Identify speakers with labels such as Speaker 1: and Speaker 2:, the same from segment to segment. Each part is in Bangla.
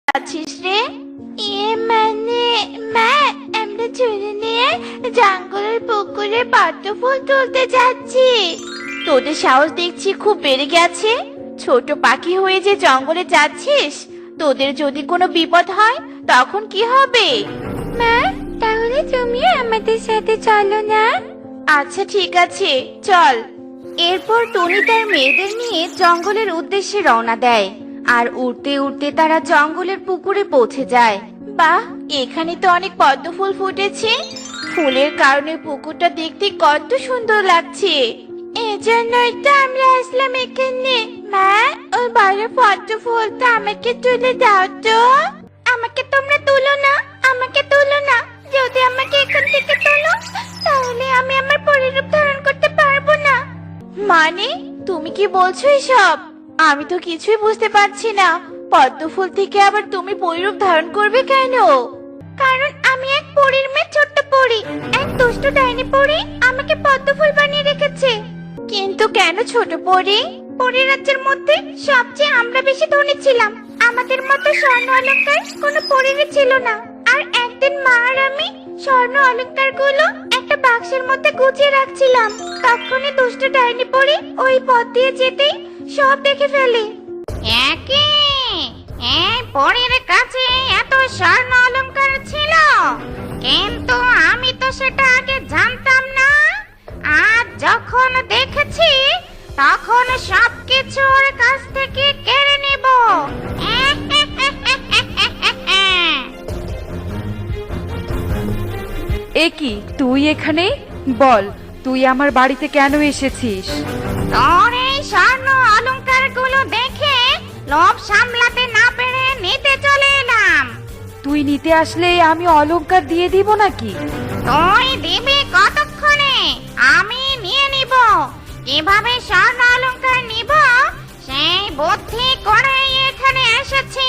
Speaker 1: যাচ্ছিস রে? মানে মা, আমরা চুরি নিয়ে জঙ্গলের পুকুরে পদ্ম ফুল তুলতে যাচ্ছি। তোদের সাহস দেখছি খুব বেড়ে গেছে। ছোট পাখি হয়ে যে জঙ্গলে যাচ্ছিস, তোদের যদি কোনো বিপদ হয় তখন কি হবে? মা, তাহলে তুমি আমাদের সাথে চলো না? আচ্ছা ঠিক আছে, চল। এরপর টনি তার মেয়েদের নিয়ে জঙ্গলের উদ্দেশ্যে রওনা দেয়। আর উড়তে উড়তে তারা জঙ্গলের পুকুরে পৌঁছে যায়। বাহ, এখানে তো অনেক পদ্ম ফুল ফুটেছে। ফুলের কারণে পুকুরটা দেখতে কত সুন্দর লাগছে। এজন্যই তো আমরা আসলাম এখানে। মা, ওই বড় পদ্ম ফুলটা আমাকে তুলে দাও তো। আমাকে তোমরা তুলো না, আমাকে তুলো না। যদি আমাকে এখান থেকে তোলো, তাহলে আমি আমার পরিরূপ ধারণ করতে পারবো না। মানে, তুমি কি বলছো এসব? আমি তো কিছুই বুঝতে পারছি না। পদ্ম ফুল থেকে আবার তুমি পরিরূপ ধারণ করবে কেন? কারণ আমি এক পরীর মেয়ে, ছোট্ট পরী। এক দুষ্ট ডাইনি পরী আমাকে পদ্ম ফুল বানিয়ে রেখেছে। কিন্তু কেন ছোট পরী? পরী রাজ্যের মধ্যে সবচেয়ে আমরা বেশি ধনী ছিলাম। আমাদের মতো স্বর্ণ অলংকার কোনো পরীরই ছিল না। আর একদিন মা আর আমি স্বর্ণ অলংকার গুলো একটা বাক্সের মধ্যে গুছিয়ে রাখছিলাম। তখনই দুষ্ট ডাইনি পরী ওই পথ দিয়ে যেতেই সব দেখে ফেলে।
Speaker 2: একে এই পরীর কাছে এত স্বর্ণ অলংকার ছিল, কিন্তু আমি তো সেটা আগে জানতাম না। আজ যখন দেখেছি, তখন সবকিছু ওর কাছ থেকে কেড়ে নেব।
Speaker 3: এ কি, তুই এখানে? বল, তুই আমার বাড়িতে কেন এসেছিস?
Speaker 2: তোর এই স্বর্ণ অলংকার গুলো দেখে লোভ সামলাতে না পেরে নিতে চলে এলাম।
Speaker 3: তুই নিতে আসলে আমি অলংকার দিয়ে দিব নাকি?
Speaker 2: তুই দিবি কতক্ষণে? আমি নিয়ে নিব। কিভাবে স্বর্ণ অলংকার নিব সেই বুদ্ধি করেই এখানে এসেছি।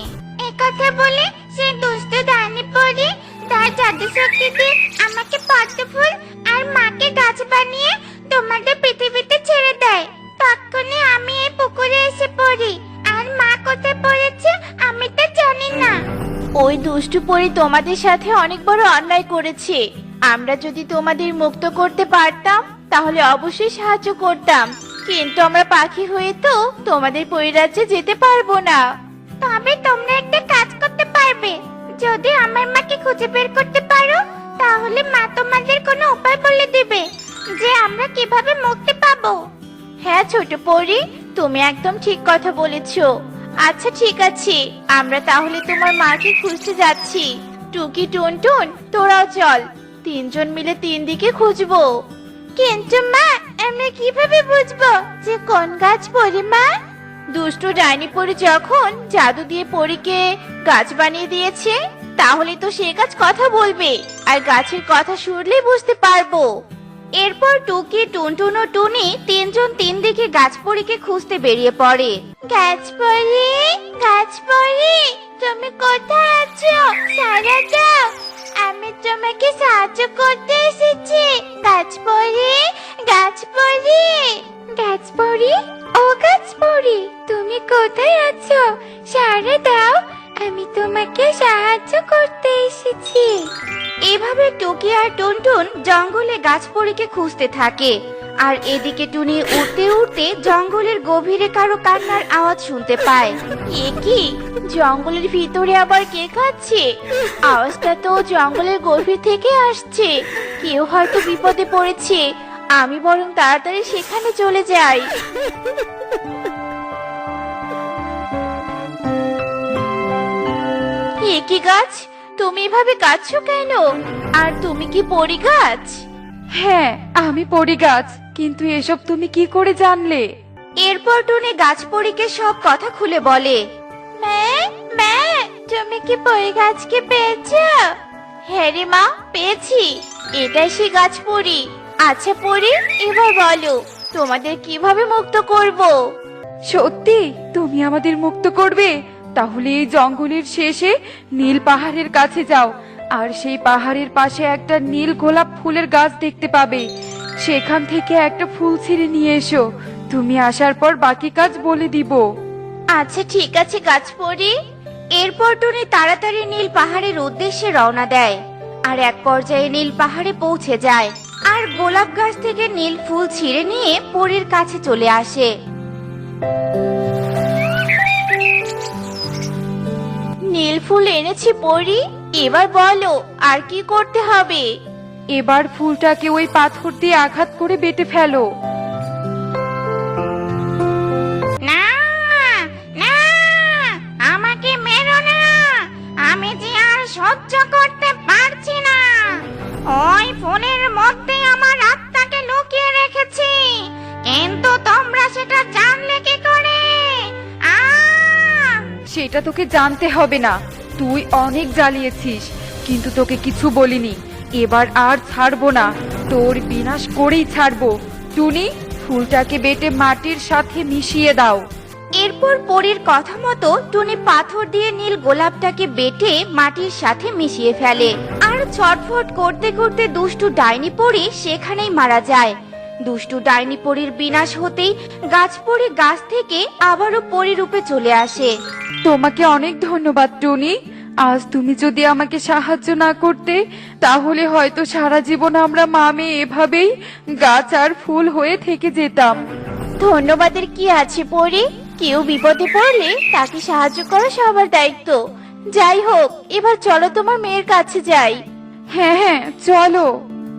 Speaker 1: একথা বলে সেই দুষ্ট ডাইনি পরী তার জাদু শক্তিতে আমাকে পদ্ম ফুল আর মাকে গাছ বানিয়ে তোমাদের পৃথিবীতে ছেড়ে দেয়। তখনই আমি এই পুকুরে এসে পড়ি। আর মা কোথায় পড়েছে আমি তা জানি না। ওই দুষ্টু পরী তোমাদের সাথে অনেক বড় অন্যায় করেছে। আমরা যদি তোমাদের মুক্ত করতে পারতাম তাহলে অবশ্যই সাহায্য করতাম, কিন্তু আমরা পাখি হয়ে তো তোমাদের পরিরাজ্যে যেতে পারবো না। তবে তোমরা একটা কাজ করতে পারবে। যদি আমার মাকে খুঁজে বের করতে পারো, তাহলে মা তোমাদের কোনো উপায় বলে দিবে যে আমরা কিভাবে মুক্তি পাবো। হ্যাঁ ছোট পরী, তুমি একদম ঠিক কথা বলেছো। আচ্ছা ঠিক আছে, আমরা তাহলে তোমার মাকে খুঁজতে যাচ্ছি। টুকি, টুনটুন, তোরাও চল। তিনজন মিলে তিন দিকে খুঁজবো। কিন্তু মা, আমরা কিভাবে বুঝবো যে কোন গাছ পরী? মা, দুষ্ট ডাইনি পরী যখন জাদু দিয়ে পরীকে গাছ বানিয়ে দিয়েছে, তাহলে তো সে গাছ কথা বলবে, আর গাছের কথা শুনলেই বুঝতে পারবো। এরপর টুকি, টুনটুন ও টুনি তিনজন তিন দিকে গাছ পরীকে খুঁজতে বেরিয়ে পড়ে। গাছ পরী, গাছ পরী, তুমি কোথায় আছো? সাড়া দাও, আমি তোমাকে সাহায্য করতে এসেছি। গাছ পরী, গাছ পরী, গাছ পরী, ও গাছ পরী, তুমি কোথায় আছো? সাড়া দাও, আমি তোমাকে সাহায্য করতে এসেছি। এভাবে টুকি আর টুনটুন জঙ্গলে গাছ পরীকে খুঁজতে থাকে। আর এদিকে টুনি উড়তে উড়তে জঙ্গলের গভীরে কারো কান্নার আওয়াজ শুনতে পায়। এ কি, জঙ্গলের ভিতরে আবার কে কাঁদছে? আওয়াজটা তো জঙ্গলের গভীর থেকে আসছে। কেউ হয়তো বিপদে পড়েছে। আমি বরং তাড়াতাড়ি সেখানে চলে যাই। এ কি গাছ, তুমি এভাবে কাঁদছো কেন? আর তুমি কি পরী গাছ?
Speaker 3: হ্যাঁ, আমি পরি গাছ, কিন্তু এসব তুমি কি করে জানলে?
Speaker 1: এরপর টুনি গাছ পরীকে সব কথা খুলে বলে। মা, মা, তুমি কি পরী গাছকে পেয়েছো? হ্যাঁ রে মা, পেয়েছি। এটাই সে গাছ পরী। আচ্ছা পরী, এবার বলো তোমাদের কিভাবে মুক্ত করব?
Speaker 3: সত্যি তুমি আমাদের মুক্ত করবে? তাহলে এই জঙ্গলের শেষে নীল পাহাড়ের কাছে যাও, আর সেই পাহাড়ের পাশে একটা নীল গোলাপ ফুলের গাছ দেখতে পাবে। সেখান থেকে একটা ফুল ছিঁড়ে নিয়ে এসো। তুমি আসার পর বাকি কাজ বলে দিব।
Speaker 1: আচ্ছা ঠিক আছে গাছ পরী। এরপর টুনি তাড়াতাড়ি নীল পাহাড়ের উদ্দেশ্যে রওনা দেয়। আর এক পর্যায়ে নীল পাহাড়ে পৌঁছে যায় আর গোলাপ গাছ থেকে নীল ফুল ছিঁড়ে নিয়ে পরীর কাছে চলে আসে। নীল ফুল এনেছি পরী, এবার বলো আর কি করতে হবে?
Speaker 3: এবার ফুলটাকে ওই পাথর দিয়ে আঘাত করে বেটে ফেলো।
Speaker 2: না না, আমাকে মেরো না, আমি যে আর সহ্য করতে পারছি না। ওই ফুলের মধ্যে আমার আত্মাকে লুকিয়ে রেখেছি, কিন্তু তোমরা সেটা জানলে কি করে?
Speaker 3: সেটা তোকে জানতে হবে না, তুই অনেক জ্বালিয়েছিস, কিন্তু তোকে কিছু বলিনি। এবার আর ছাড়বো না, তোর বিনাশ করেই ছাড়বো। টুনি, ফুলটাকে বেটে মাটির সাথে মিশিয়ে দাও।
Speaker 1: এরপর পরীর কথা মতো টুনি পাথর দিয়ে নীল গোলাপটাকে বেটে মাটির সাথে মিশিয়ে ফেলে। আর ছটফট করতে করতে দুষ্টু ডাইনি পরী সেখানেই মারা যায়। দুষ্টু ডাইনি পরীর বিনাশ হতেই গাছ পরী গাছ থেকে আবারও পরী রূপে চলে আসে।
Speaker 3: তোমাকে অনেক ধন্যবাদ টুনি। আজ তুমি যদি আমাকে সাহায্য না করতে, তাহলে হয়তো সারা জীবন আমরা মা মেয়ে এভাবেই গাছ আর ফুল হয়ে থেকে যেতাম।
Speaker 1: ধন্যবাদের কি আছে পরী, কেউ বিপদে পড়লে তাকে সাহায্য করা সবার দায়িত্ব। যাই হোক, এবার চলো তোমার মেয়ের কাছে যাই।
Speaker 3: হ্যাঁ হ্যাঁ, চলো।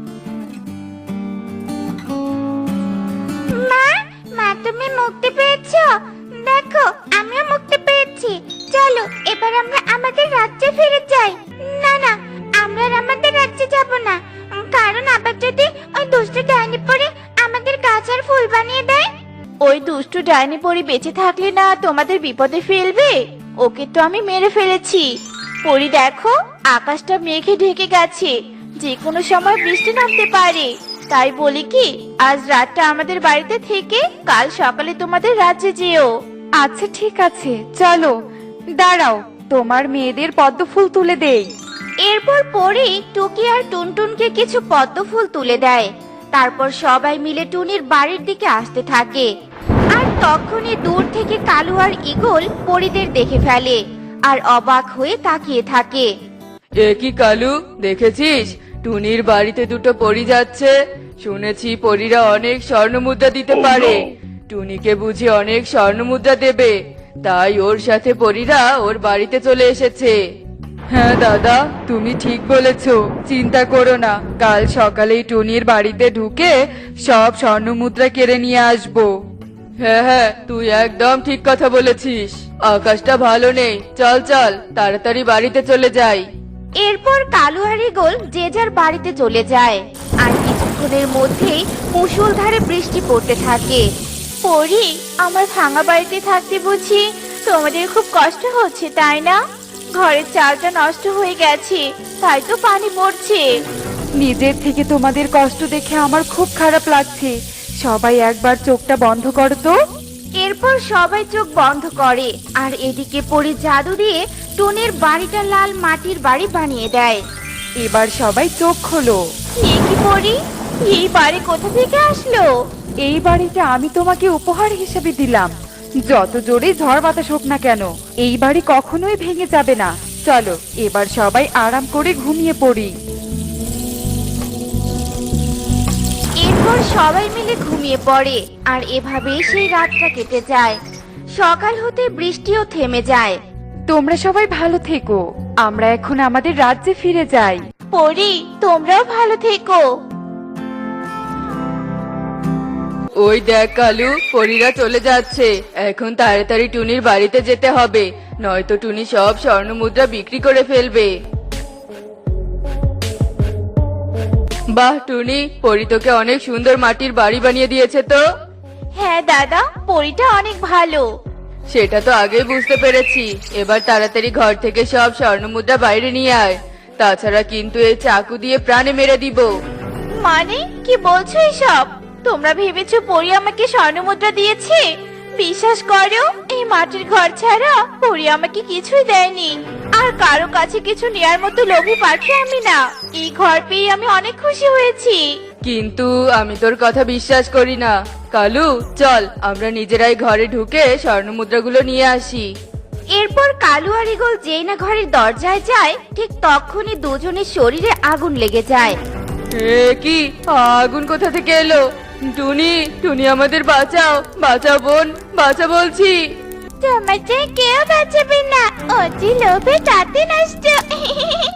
Speaker 1: মা, মা তুমি মুক্তি পেয়েছো? দেখো, আমিও মুক্তি পেয়েছি। চলো এবার আমরা আমাদের রাজ্যে ফিরে যাই। না না, আমরা আর আমাদের রাজ্যে যাব না, কারণ আবার যদি ওই দুষ্টু ডাইনি পরী আমাদের গাছ আর ফুল বানিয়ে দেয়। ওই দুষ্টু ডাইনি পরী বেঁচে থাকলে না তোমাদের বিপদে ফেলবে? ওকে তো আমি মেরে ফেলেছি। পরী দেখো, আকাশটা মেঘে ঢেকে গেছে, যে কোনো সময় বৃষ্টি নামতে পারে। তাই বলি কি, আজ রাতটা আমাদের বাড়িতে থেকে কাল সকালে তোমাদের রাজ্যে যেও।
Speaker 3: আচ্ছা ঠিক আছে, চলো। দাঁড়াও, তোমার মেয়েদের পদ্ম ফুল তুলে দেই।
Speaker 1: এরপর পরী টুকি আর টুনটুনকে কিছু পদ্ম ফুল তুলে দেয়। তারপর সবাই মিলে টুনির বাড়ির দিকে আসতে থাকে। আর তখনই দূর থেকে কালু আর ঈগল পরীদের দেখে ফেলে আর অবাক হয়ে তাকিয়ে থাকে।
Speaker 4: এ কি কালু, দেখেছিস টুনির বাড়িতে দুটো পরী যাচ্ছে? শুনেছি পরীরা অনেক স্বর্ণমুদ্রা দিতে পারে, টুনিকে বুঝি অনেক স্বর্ণমুদ্রা দেবে, তাই ওর সাথে পরীরা ওর বাড়িতে চলে এসেছে।
Speaker 3: হ্যাঁ দাদা, তুমি ঠিক বলেছো, চিন্তা করো না, কাল সকালেই টুনির বাড়িতে ঢুকে সব স্বর্ণমুদ্রা কেড়ে নিয়ে আসবো।
Speaker 4: হ্যাঁ হ্যাঁ, তুই একদম ঠিক কথা বলেছিস। আকাশটা ভালো নেই, চল চল তাড়াতাড়ি বাড়িতে চলে যাই।
Speaker 1: এরপর কালু আর ঈগল যে যার বাড়িতে চলে যায়। আর কিছুক্ষণের মধ্যেই মুষলধারে বৃষ্টি পড়তে থাকে। পরী, আমার ভাঙা বাড়িতে থাকতে বুঝি তোমাদের খুব কষ্ট হচ্ছে, তাই না? ঘরের চালটা নষ্ট হয়ে গেছে, তাই তো পানি পড়ছে।
Speaker 3: নিজের থেকে তোমাদের কষ্ট দেখে আমার খুব খারাপ লাগছে। সবাই একবার চোখটা বন্ধ করো তো।
Speaker 1: এরপর সবাই চোখ বন্ধ করে আর এদিকে পরী জাদু দিয়ে টুনির বাড়িটা লাল মাটির বাড়ি বানিয়ে দেয়।
Speaker 3: এবার সবাই চোখ খোলো।
Speaker 1: এ কি পরী, এই বাড়ি কোথা থেকে আসলো?
Speaker 3: এই বাড়িটা আমি তোমাকে উপহার হিসেবে দিলাম। যত জোরে ঝড় বাতাস হোক না কেন, এই বাড়ি কখনোই ভেঙে যাবে না। চলো এবার সবাই আরাম করে ঘুমিয়ে পড়ি।
Speaker 1: এরপর সবাই মিলে ঘুমিয়ে পড়ে আর এভাবেই সেই রাতটা কেটে যায়। সকাল হতে বৃষ্টিও থেমে যায়।
Speaker 3: তোমরা সবাই ভালো থেকো, আমরা এখন আমাদের রাজ্যে ফিরে যাই।
Speaker 1: পরী, তোমরাও ভালো থেকো।
Speaker 4: ওই দেখ কালু, পরীরা চলে যাচ্ছে। এখন তাড়াতাড়ি টুনির বাড়িতে যেতে হবে, নয়তো টুনি সব স্বর্ণমুদ্রা বিক্রি করে ফেলবে। বাহ টুনি, পরী তোকে অনেক সুন্দর মাটির বাড়ি বানিয়ে দিয়েছে তো।
Speaker 1: হ্যাঁ দাদা, পরীটা অনেক ভালো।
Speaker 4: সেটা তো আগেই বুঝতে পেরেছি। এবার তাড়াতাড়ি ঘর থেকে সব স্বর্ণমুদ্রা বাইরে নিয়ে আয়, তাছাড়া কিন্তু এই চাকু দিয়ে প্রাণে মেরে দিব।
Speaker 1: মানে কি বলছো এসব? তোমরা ভেবেছো পরী আমাকে স্বর্ণমুদ্রা দিয়েছে? বিশ্বাস করো, এই মাটির ঘর ছাড়া পরী আমাকে কিছুই দেয়নি। আর কারো কাছে কিছু নেয়ার মতো লোভী পাখি আমি না। এই ঘর পেয়ে আমি অনেক খুশি হয়েছি।
Speaker 4: কিন্তু আমি তোর কথা বিশ্বাস করি না। কালু, চল আমরা নিজেরাই ঘরে ঢুকে স্বর্ণমুদ্রাগুলো নিয়ে আসি।
Speaker 1: এরপর কালু আর ঈগল যেই না ঘরের দরজায় যায় ঠিক তখনই দুজনের শরীরে আগুন লেগে যায়।
Speaker 4: এ কি আগুন কোথা থেকে এলো? টুনি, টুনি আমাদের বাঁচাও, বাঁচাও বোন, বাঁচা বলছি।
Speaker 1: তোমাকে কেউ বাঁচাবে না, অতি লোভে তাতে নষ্ট।